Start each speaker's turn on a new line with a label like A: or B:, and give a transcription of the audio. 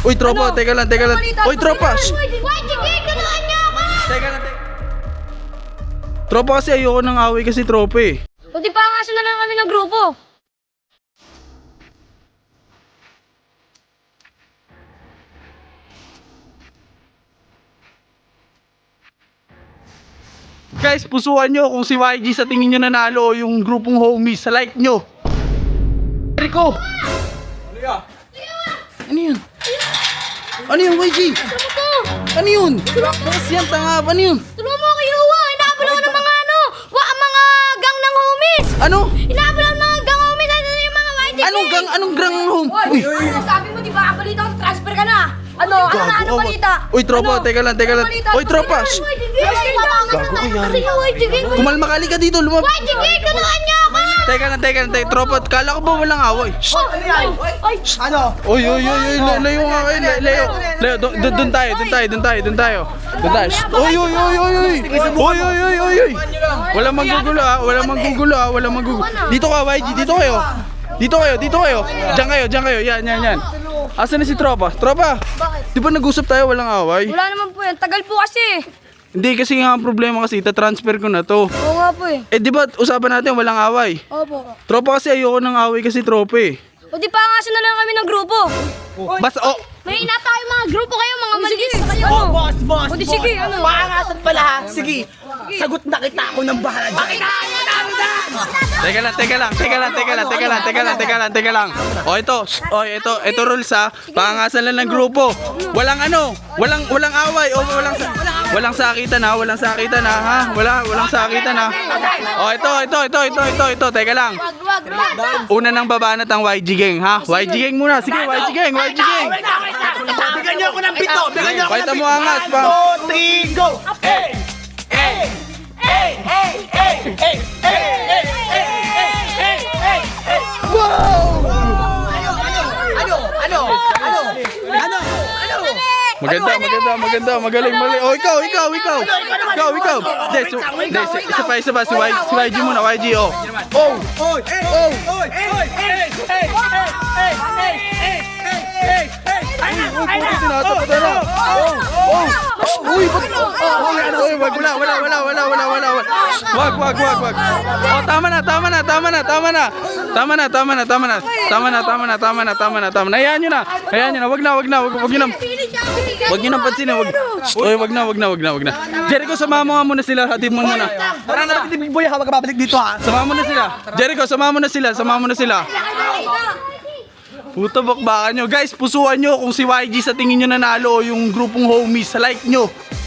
A: Uy, tropa, teka lang. Uy, tropa. Teka lang. Tropa kasi ayoko ng away kasi tropa eh.
B: O di pangasan na lang kami ng grupo.
A: Guys, pusuan nyo kung si YG sa tingin nyo nanalo o yung grupong homies sa like nyo. Rico! Ano yun? Ano yun, YG? Ano yun? Bakas yan, tanga. Ano yun?
B: Tulungan mo kayo, inaabol ako ng mga mga gang ng homies.
A: Ano?
B: Inaabol ako ng mga gang homies, yung mga YG.
A: Anong gang home? Uy!
B: Ano sabi mo, di ba? Balita ko, transfer ka na. Ano balita?
A: Uy, tropa, teka lang. Uy, tropa!
B: Gago kaya.
A: Kumalma ka, halika dito, lumab.
B: YG, tulungan niyo ako.
A: Teka lang. Tropa, kala ko ba walang away?
C: Ano?
A: Uy, layo nga kayo, layo. Doon tayo. Uy. Walang manggugulo. Dito ka, YG, dito kayo. Diyan kayo, yan. Asan na si tropa? Tropa, di ba nag-usap tayo walang away?
B: Wala naman po yan. Tagal po kasi.
A: Hindi kasi nga ang problema kasi, transfer ko na to.
B: Oo nga po eh.
A: Eh di ba usapan natin walang away?
B: Opo.
A: Tropa kasi ayoko ng away kasi tropa eh.
B: O di pangasan na lang kami ng grupo.
A: Basta
B: May ina tayo mga grupo kayo, mga maliit sa kayo.
C: Oh, boss.
B: O di sige, ano?
C: Paangasan pala ha. Sige. Sagot na kita ako ng bahala dyan.
A: Teka lang. Ito rules ha. Pangasan lang ng grupo. Walang away o walang sakitan ha. Walang sakitan ha. Walang sakitan ha. Ito. Teka lang. Una nang babanat ang YG gang ha. YG gang muna. Sige, YG gang.
C: Bigyan niyo ako ng pito.
A: Pakita mo angas pa.
C: 2, 3, go.
A: Maganda. Magaling. Oh, ikaw. Isa pa. Si YG muna, YG, oh. Wag. Oh, tama na. Hayaan nyo na. Wag nyo nang pansinin. Wag na. Jericho, sama mo nga muna sila. Hatid mo muna.
C: Tara na, Big Boy, hawag ka babalik dito ha.
A: Sama mo na sila. Jericho, sama mo na sila. Puta, bakbakan nyo. Guys, pusuan nyo kung si YG sa tingin nyo nanalo o yung grupong homies sa like nyo.